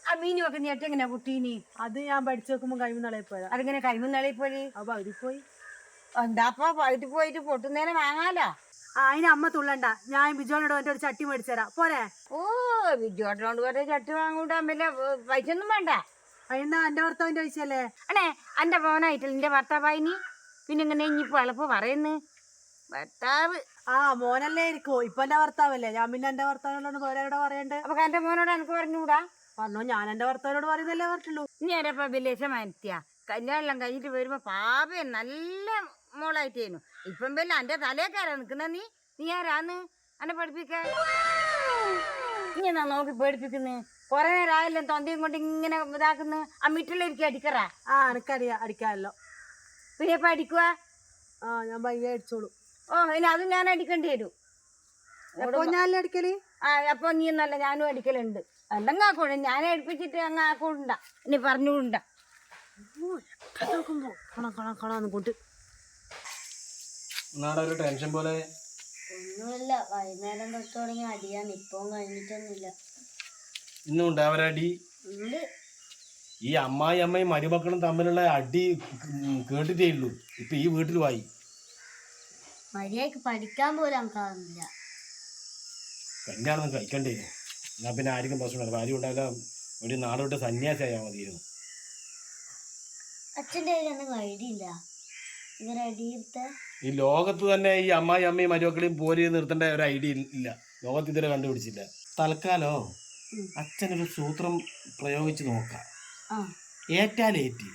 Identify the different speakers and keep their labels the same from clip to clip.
Speaker 1: ആ മീനുമൊക്കെ നീ എങ്ങനെ കുട്ടീനി?
Speaker 2: അത് ഞാൻ പഠിച്ചു വെക്കുമ്പോ കൈമുന്നളയിൽ പോയതാ.
Speaker 1: അതിങ്ങനെ കൈമുന്നളി പോയി?
Speaker 2: അപ്പൊ അവര് പോയി.
Speaker 1: എന്താപ്പ പകുതി പോയിട്ട് പൊട്ടുന്നേരം വാങ്ങാലോ.
Speaker 2: അതിന് അമ്മ തുള്ളണ്ട, ഞാൻ ബിജോനോട് എന്റെ ഒരു ചട്ടി മേടിച്ചു തരാം പോരെ.
Speaker 1: ഓ ബിജുവേട്ടനോട് പറഞ്ഞ ചട്ടി വാങ്ങൂട്ടാൻ വല്ല പൈസ ഒന്നും വേണ്ട.
Speaker 2: അതിനാ എന്റെ ഭർത്താവിന്റെ പൈസയല്ലേ?
Speaker 1: അണേ എന്റെ മോനായിട്ടില്ല നിന്റെ ഭർത്താവായിനി. പിന്നെ ഇങ്ങനെ ഇനിയിപ്പോ എളുപ്പം പറയുന്നു ഭർത്താവ്.
Speaker 2: ആ മോനല്ലേ ഇരിക്കോ, ഇപ്പൊ എന്റെ ഭർത്താവല്ലേ. ഞാൻ പിന്നെ എന്റെ ഭർത്താവിനോട് പോരാടെ പറയണ്ടേ.
Speaker 1: അപ്പൊ എന്റെ മോനോട് എനിക്ക് പറഞ്ഞുകൂടാ?
Speaker 2: പറഞ്ഞോ, ഞാൻ എന്റെ ഭർത്താവിനോട് പറയുന്നല്ലേ പറഞ്ഞുള്ളൂ.
Speaker 1: ഇനി ആരപ്പ വിലേശമാനത്തിയാ കല്യാണം കഴിഞ്ഞിട്ട് വരുമ്പോ പാപേ നല്ല മോളായിട്ടേനു. ഇപ്പം വല്ല എന്റെ തലേക്കാരാ നിക്കുന്ന. നീ ആരാന്ന് എന്നെ പഠിപ്പിക്കാൻ? നീ എന്നാ നോക്കി പേടിപ്പിക്കുന്നു? കൊറേ നേരം ആയല്ലോ തൊന്തയും കൊണ്ട് ഇങ്ങനെ ഇതാക്കുന്നു. ആ മിറ്റിലിരിക്കും അടിക്കറാ.
Speaker 2: ആ എനിക്കറിയാം അടിക്കാമല്ലോ.
Speaker 1: പിന്നെ ഇപ്പൊ അടിക്കുക?
Speaker 2: ആ ഞാൻ ഭയങ്കര അടിച്ചോളൂ.
Speaker 1: ഓ ഇനി അതും ഞാൻ അടിക്കേണ്ടി വരും.
Speaker 2: ഞാനല്ലേ അടിക്കല്?
Speaker 1: ആ അപ്പൊ നീ എന്നല്ല ഞാനും അടിക്കലുണ്ട്. അല്ലെങ്കിൽ ആക്കൂട ഞാൻ അടുപ്പിച്ചിട്ട് അങ്ങ് ആക്കൂണ്ട. ഇനി പറഞ്ഞുകൂണ്ട.
Speaker 2: കൂട്ട്
Speaker 3: ഒരു ടെൻഷൻ പോലെ.
Speaker 4: ഒന്നുമില്ല, വൈകുന്നേരം തൊട്ട് തുടങ്ങി അടിയാണ്. ഇപ്പം കഴിഞ്ഞിട്ടൊന്നുമില്ല.
Speaker 3: ഇന്നും ഉണ്ടാവരടി. ഈ അമ്മയും മരുമക്കളും തമ്മിലുള്ള അടി കേട്ടിട്ടേ ഉള്ളൂ. ഇപ്പൊ ഈ വീട്ടിൽ വായി
Speaker 4: മര്യാദക്ക് പഠിക്കാൻ പോലും നമുക്കാവുന്നില്ല.
Speaker 3: കല്യാണം കഴിക്കണ്ടേ? എന്നാ പിന്നെ ആർക്കും പ്രശ്നമില്ല. ഭാര്യ ഉണ്ടായാലും ഒരു നാട് വിട്ട് സന്യാസിയായാൽ മതിയായിരുന്നു.
Speaker 4: അച്ഛൻ്റെ കയ്യിലൊന്നും ഐഡിയ ഇല്ല ഇവരെ അടിയിരുത്ത.
Speaker 3: ഈ ലോകത്ത് തന്നെ ഈ അമ്മയും മരുമക്കളെയും പോരി നിർത്തേണ്ട ഒരു ഐഡിയ ഇല്ല. ലോകത്ത് ഇതുവരെ കണ്ടുപിടിച്ചില്ല. തൽക്കാലോ അച്ഛനൊരു സൂത്രം പ്രയോഗിച്ച് നോക്കാം. ഏറ്റാലേറ്റി.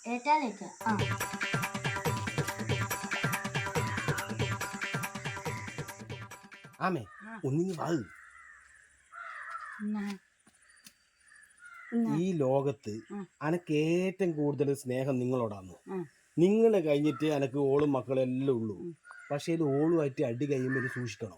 Speaker 3: ആമേ ഒന്നിങ്ങി വാ. ഈ ലോകത്ത് അനക്ക് ഏറ്റവും കൂടുതൽ സ്നേഹം നിങ്ങളോടാണ്. നിങ്ങളെ കഴിഞ്ഞിട്ട് എനക്ക് ഓളും മക്കളെല്ലാം ഉള്ളൂ. പക്ഷേ ഇത് ഓളുമായിട്ട് അടി കഴിയുമ്പോൾ സൂക്ഷിക്കണം.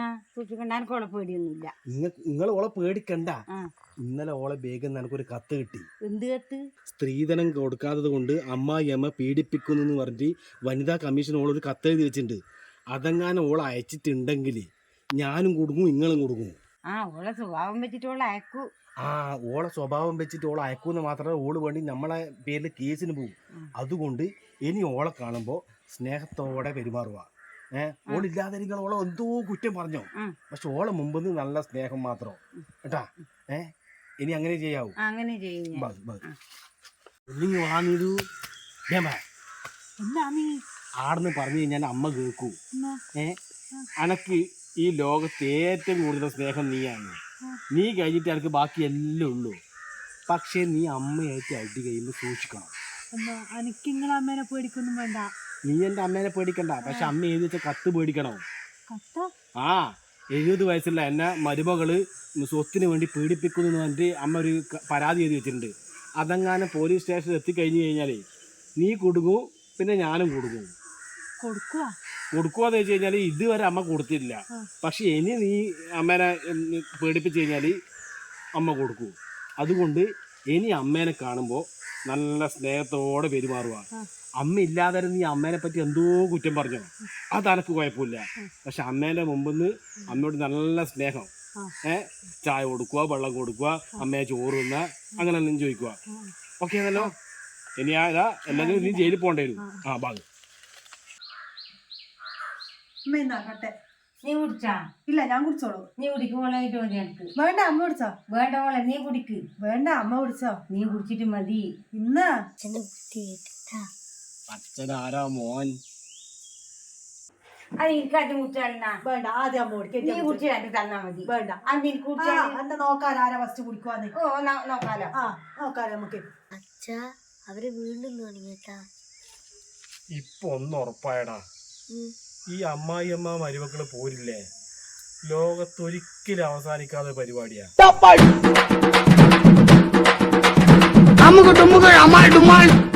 Speaker 3: നിങ്ങൾ ഓളെ പേടിക്കണ്ട. ഇന്നലെ ഓളെ ബേഗിൽ എനക്കൊരു കത്ത് കിട്ടി.
Speaker 1: എന്ത് കത്ത്?
Speaker 3: സ്ത്രീധനം കൊടുക്കാത്തത് കൊണ്ട് അമ്മായിയമ്മ പീഡിപ്പിക്കുന്നു എന്ന് പറഞ്ഞിട്ട് വനിതാ കമ്മീഷൻ ഓളൊരു കത്ത് എഴുതി വെച്ചിട്ടുണ്ട്. അതെങ്ങാനും ഓളെ അയച്ചിട്ടുണ്ടെങ്കിൽ ഞാനും കൊടുക്കും നിങ്ങളും കൊടുക്കും.
Speaker 1: ഓളെ സ്വഭാവം വെച്ചിട്ട് ഓളെ അയക്കൂ.
Speaker 3: ഓളെ സ്വഭാവം വെച്ചിട്ട് ഓളെ അയക്കൂന്ന് മാത്രമേ ഓള് വേണ്ടി നമ്മളെ പേരിൽ കേസിന് പോകും. അതുകൊണ്ട് ഇനി ഓളെ കാണുമ്പോൾ സ്നേഹത്തോടെ പെരുമാറുക. ഓളില്ലാതെ ഓളെ എന്തോ കുറ്റം പറഞ്ഞോ, പക്ഷെ ഓളെ മുമ്പ് നല്ല സ്നേഹം മാത്രം കേട്ടാ. ഇനി അങ്ങനെ ചെയ്യാവൂ.
Speaker 1: അങ്ങനെ ചെയ്യും.
Speaker 3: ആടെന്ന് പറഞ്ഞു കഴിഞ്ഞാൽ അമ്മ കേൾക്കൂ. അനക്ക് ഈ ലോകത്ത് ഏറ്റവും കൂടുതൽ സ്നേഹം നീയാണ്. നീ കഴിഞ്ഞിട്ട് എനിക്ക് ബാക്കി എല്ലാം ഉള്ളൂ. പക്ഷേ നീ അമ്മയായിട്ട് അടി കഴിയുമ്പോൾ സൂക്ഷിക്കണം.
Speaker 2: എനിക്ക് നിങ്ങളെ അമ്മേനെ പേടിക്കൊന്നും വേണ്ട.
Speaker 3: നീ എൻ്റെ അമ്മേനെ പേടിക്കണ്ട, പക്ഷെ അമ്മ എഴുതി വെച്ച കത്ത് പേടിക്കണം. 70 വയസ്സുള്ള എന്നെ മരുമകള് സ്വത്തിന് വേണ്ടി പീഡിപ്പിക്കുന്നു എന്ന് പറഞ്ഞിട്ട് അമ്മ ഒരു പരാതി എഴുതി വെച്ചിട്ടുണ്ട്. അതെങ്ങാനും പോലീസ് സ്റ്റേഷനിൽ എത്തിക്കഴിഞ്ഞു കഴിഞ്ഞാൽ നീ കൊടുക്കും, പിന്നെ ഞാനും കൊടുക്കും. കൊടുക്കുവാന്ന് വെച്ച് കഴിഞ്ഞാൽ ഇതുവരെ അമ്മ കൊടുത്തില്ല. പക്ഷെ ഇനി നീ അമ്മേനെ പേടിപ്പിച്ച് കഴിഞ്ഞാൽ അമ്മ കൊടുക്കൂ. അതുകൊണ്ട് ഇനി അമ്മേനെ കാണുമ്പോൾ നല്ല സ്നേഹത്തോടെ പെരുമാറുക. അമ്മ ഇല്ലാതെ നീ അമ്മേനെ പറ്റി എന്തോ കുറ്റം പറഞ്ഞോ, അതെനക്ക് കുഴപ്പമില്ല. പക്ഷെ അമ്മേൻ്റെ മുമ്പിന്ന് അമ്മയോട് നല്ല സ്നേഹം. ചായ കൊടുക്കുക, വെള്ളം കൊടുക്കുക, അമ്മയെ ചോറ് തിന്ന, അങ്ങനെ എല്ലാം ചോദിക്കുക. ഓക്കെ ആണല്ലോ? ഇനി അല്ലെങ്കിൽ നീ ജയിലിൽ പോകേണ്ടി വരും. ഭാഗം
Speaker 1: നീ കുടിച്ചാ?
Speaker 2: ഇല്ല ഞാൻ കുടിച്ചോളൂ.
Speaker 1: നീ കുടിക്കുമ്പോളായിട്ട് മതി എനിക്ക്.
Speaker 2: വേണ്ട അമ്മ കുടിച്ചോ?
Speaker 1: വേണ്ട മോളെ നീ കുടിക്ക്.
Speaker 2: വേണ്ട അമ്മ കുടിച്ചോ?
Speaker 1: നീ കുടിച്ചിട്ട് മതി.
Speaker 2: ഇന്ന്
Speaker 3: അച്ഛനാരാ മോൻ?
Speaker 1: അത് എനിക്കാദ്യം കുടിച്ചാ?
Speaker 2: വേണ്ട ആദ്യം അമ്മ കുടിക്കും.
Speaker 1: നീ കുടിച്ചിട്ട് തന്നാ മതി.
Speaker 2: വേണ്ട
Speaker 1: അത് എനിക്ക് കുടിച്ചാ
Speaker 2: എന്റെ നോക്കാൻ ആരാ ഫസ്റ്റ് കുടിക്കുവാന്ന്.
Speaker 1: നോക്കാലോ.
Speaker 2: നോക്കാലോ നമുക്ക്.
Speaker 4: അച്ഛാ അവര് വീണ്ടും തുടങ്ങിട്ടാ.
Speaker 3: ഇപ്പൊ ഒന്ന് ഉറപ്പായടാ, ഈ അമ്മായിയമ്മ മരുമക്കള് പോരില്ലേ, ലോകത്തൊരിക്കലും അവസാനിക്കാതെ പരിപാടിയാ.